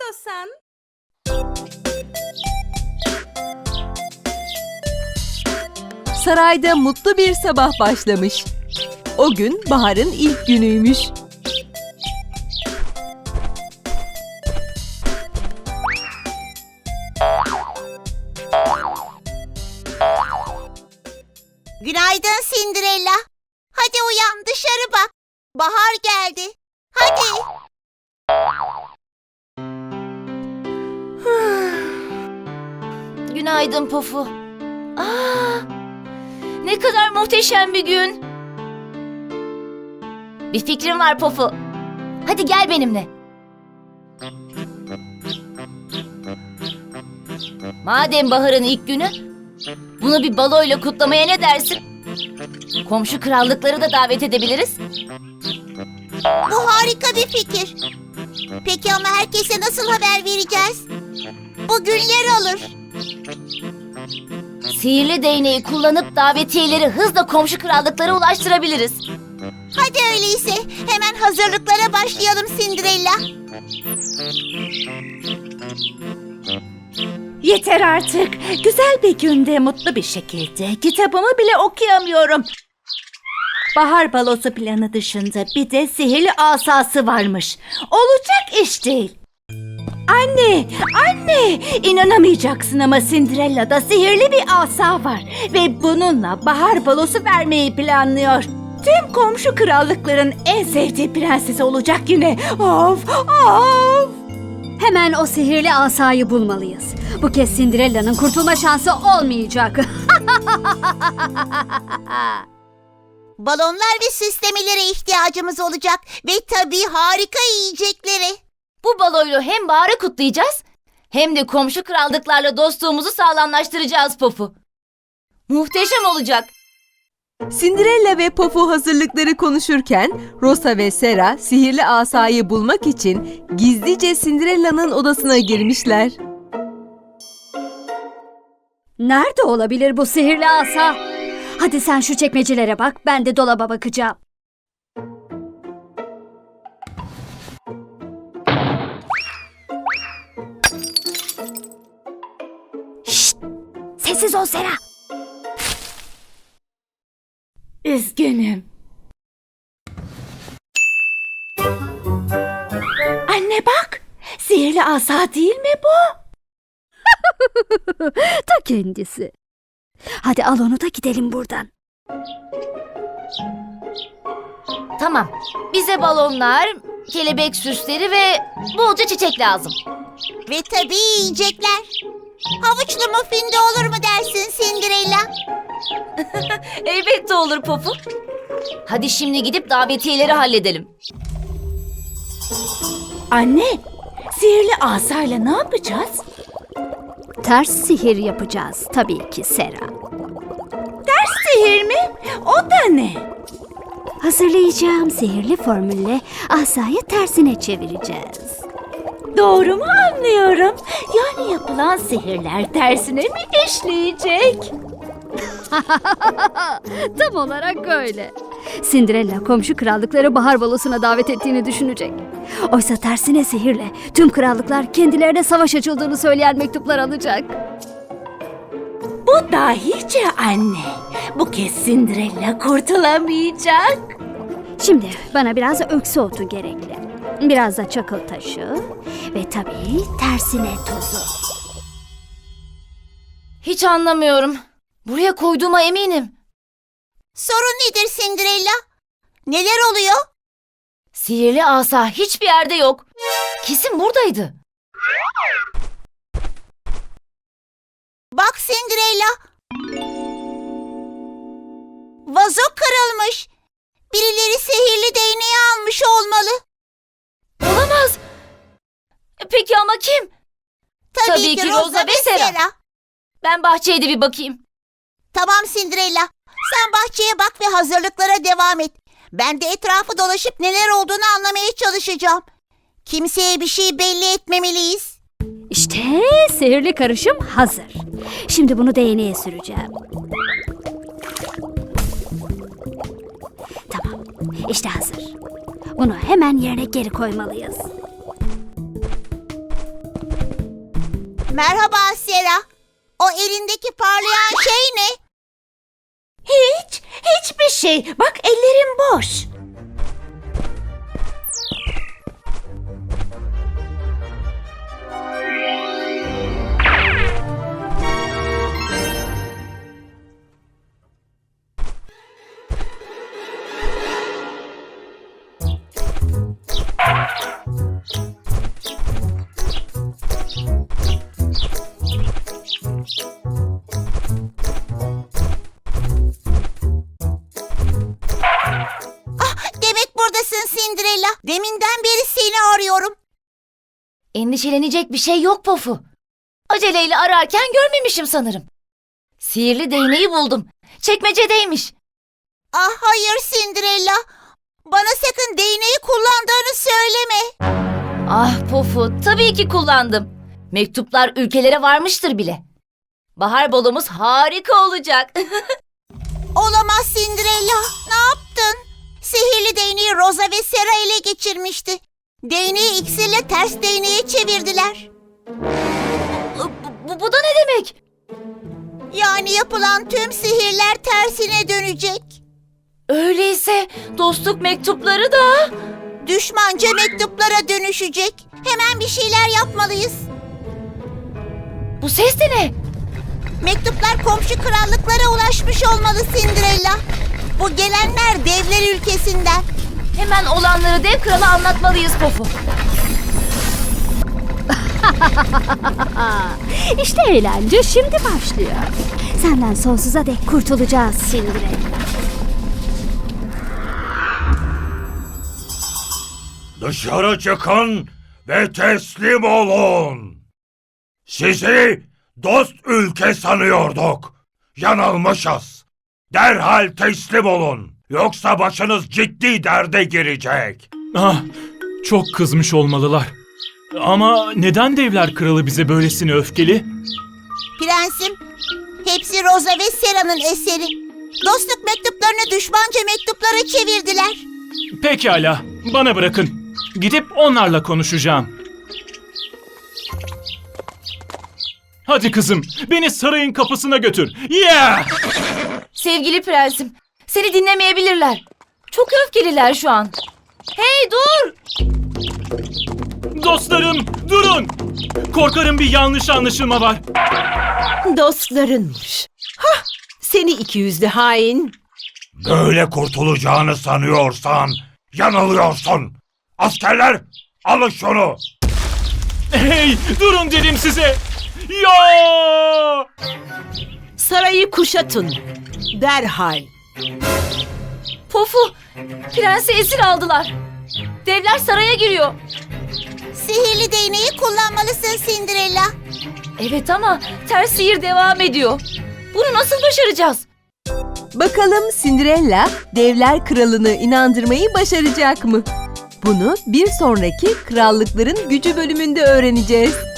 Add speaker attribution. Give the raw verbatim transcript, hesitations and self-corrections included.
Speaker 1: istiyorsan. Sarayda mutlu bir sabah başlamış. O gün baharın ilk günüymüş.
Speaker 2: Günaydın Cinderella. Hadi uyan, dışarı bak. Bahar geldi. Hadi.
Speaker 3: Günaydın Pofu. Aa, ne kadar muhteşem bir gün. Bir fikrim var Pofu. Hadi gel benimle. Madem baharın ilk günü, bunu bir baloyla kutlamaya ne dersin? Komşu krallıkları da davet edebiliriz.
Speaker 2: Bu harika bir fikir. Peki ama herkese nasıl haber vereceğiz? Bu günler alır.
Speaker 3: Sihirli değneği kullanıp davetiyeleri hızla komşu krallıklara ulaştırabiliriz.
Speaker 2: Hadi öyleyse hemen hazırlıklara başlayalım Cinderella.
Speaker 4: Yeter artık. Güzel bir günde mutlu bir şekilde kitabımı bile okuyamıyorum. Bahar balosu planı dışında bir de sihirli asası varmış. Olacak iş değil. Anne, anne! İnanamayacaksın ama Cinderella'da sihirli bir asa var. Ve bununla bahar balosu vermeyi planlıyor. Tüm komşu krallıkların en sevdiği prensesi olacak yine. Of, of!
Speaker 5: Hemen o sihirli asayı bulmalıyız. Bu kez Cinderella'nın kurtulma şansı olmayacak.
Speaker 2: Balonlar ve süslemelere ihtiyacımız olacak. Ve tabii harika yiyecekleri.
Speaker 3: Bu baloyla hem baharı kutlayacağız, hem de komşu krallıklarla dostluğumuzu sağlamlaştıracağız Pofu. Muhteşem olacak.
Speaker 1: Cinderella ve Pofu hazırlıkları konuşurken Rosa ve Sera sihirli asayı bulmak için gizlice Cinderella'nın odasına girmişler.
Speaker 5: Nerede olabilir bu sihirli asa? Hadi sen şu çekmecelere bak, ben de dolaba bakacağım. Şşt! Sessiz ol Sera.
Speaker 4: Üzgünüm. Anne bak, sihirli asa değil mi bu?
Speaker 5: Ta kendisi. Hadi al onu da gidelim buradan.
Speaker 3: Tamam, bize balonlar, kelebek süsleri ve bolca çiçek lazım.
Speaker 2: Ve tabii yiyecekler. Havuçlu muffin de olur mu dersin Cinderella?
Speaker 3: Elbette olur Pofu. Hadi şimdi gidip davetiyeleri halledelim.
Speaker 4: Anne, sihirli asayla ne yapacağız?
Speaker 5: Ters sihir yapacağız tabii ki Sera.
Speaker 4: Sihir mi? O da ne?
Speaker 5: Hazırlayacağım sihirli formülle asayı tersine çevireceğiz.
Speaker 4: Doğru mu anlıyorum? Yani yapılan sihirler tersine mi işleyecek?
Speaker 5: Tam olarak öyle. Cinderella komşu krallıkları bahar balosuna davet ettiğini düşünecek. Oysa tersine sihirle tüm krallıklar kendilerine savaş açıldığını söyleyen mektuplar alacak.
Speaker 4: Bu dahice anne. Bu kez Cinderella kurtulamayacak.
Speaker 5: Şimdi bana biraz öksü otu gerekli. Biraz da çakıl taşı ve tabii tersine tozu.
Speaker 3: Hiç anlamıyorum. Buraya koyduğuma eminim.
Speaker 2: Sorun nedir Cinderella? Neler oluyor?
Speaker 3: Sihirli asa hiçbir yerde yok. Kesin buradaydı.
Speaker 2: Bak Cinderella. Vazo kırılmış. Birileri sihirli değneği almış olmalı.
Speaker 3: Olamaz. E, Peki ama kim?
Speaker 2: Tabii,
Speaker 3: Tabii ki Rosa ve Sera. Ben bahçeye de bir bakayım.
Speaker 2: Tamam Cinderella. Sen bahçeye bak ve hazırlıklara devam et. Ben de etrafı dolaşıp neler olduğunu anlamaya çalışacağım. Kimseye bir şey belli etmemeliyiz.
Speaker 5: İşte sihirli karışım hazır. Şimdi bunu değneğe süreceğim. Tamam, işte hazır. Bunu hemen yerine geri koymalıyız.
Speaker 2: Merhaba Sera. O elindeki parlayan şey ne?
Speaker 4: Hiç, hiçbir şey. Bak ellerim boş.
Speaker 2: Demek buradasın Cinderella. Deminden beri seni arıyorum.
Speaker 3: Endişelenecek bir şey yok Pofu. Aceleyle ararken görmemişim sanırım. Sihirli değneği buldum. Çekmecedeymiş.
Speaker 2: Ah hayır Cinderella. Bana sakın değneği kullandığını söyleme.
Speaker 3: Ah Pofu, tabii ki kullandım. Mektuplar ülkelere varmıştır bile. Bahar balomuz harika olacak.
Speaker 2: Olamaz Cinderella. Ne yaptın? Sihirli değneği Rosa ve Sera ele geçirmişti. Değneği iksirle ters değneğe çevirdiler.
Speaker 3: bu, bu, bu da ne demek?
Speaker 2: Yani yapılan tüm sihirler tersine dönecek.
Speaker 3: Öyleyse dostluk mektupları da...
Speaker 2: Düşmanca mektuplara dönüşecek. Hemen bir şeyler yapmalıyız.
Speaker 3: Bu ses de ne?
Speaker 2: Mektuplar komşu krallıklara ulaşmış olmalı Cinderella. Bu gelenler devler ülkesinden.
Speaker 3: Hemen olanları dev krala anlatmalıyız Pofu.
Speaker 5: İşte eğlence şimdi başlıyor. Senden sonsuza dek kurtulacağız Cinderella.
Speaker 6: Dışarı çıkın ve teslim olun. Sizi dost ülke sanıyorduk. Yanılmışız. Derhal teslim olun. Yoksa başınız ciddi derde girecek.
Speaker 7: Ah, çok kızmış olmalılar. Ama neden Devler Kralı bize böylesine öfkeli?
Speaker 2: Prensim, hepsi Rosa ve Sera'nın eseri. Dostluk mektuplarını düşmanca mektuplara çevirdiler.
Speaker 7: Pekala, bana bırakın. Gidip onlarla konuşacağım. Hadi kızım, beni sarayın kapısına götür. Yeah!
Speaker 3: Sevgili prensim, seni dinlemeyebilirler. Çok öfkeliler şu an. Hey dur!
Speaker 7: Dostlarım, durun! Korkarım bir yanlış anlaşılma var.
Speaker 8: Dostlarınmış. Hah, seni iki yüzlü hain.
Speaker 6: Böyle kurtulacağını sanıyorsan yanılıyorsun. Askerler, alın şunu.
Speaker 7: Hey, durun dedim size. Ya!
Speaker 8: Sarayı kuşatın. Derhal.
Speaker 3: Pofu, prensi esir aldılar. Devler saraya giriyor.
Speaker 2: Sihirli değneği kullanmalısın Cinderella.
Speaker 3: Evet ama ters sihir devam ediyor. Bunu nasıl başaracağız?
Speaker 1: Bakalım Cinderella Devler Kralı'nı inandırmayı başaracak mı? Bunu bir sonraki Krallıkların Gücü bölümünde öğreneceğiz.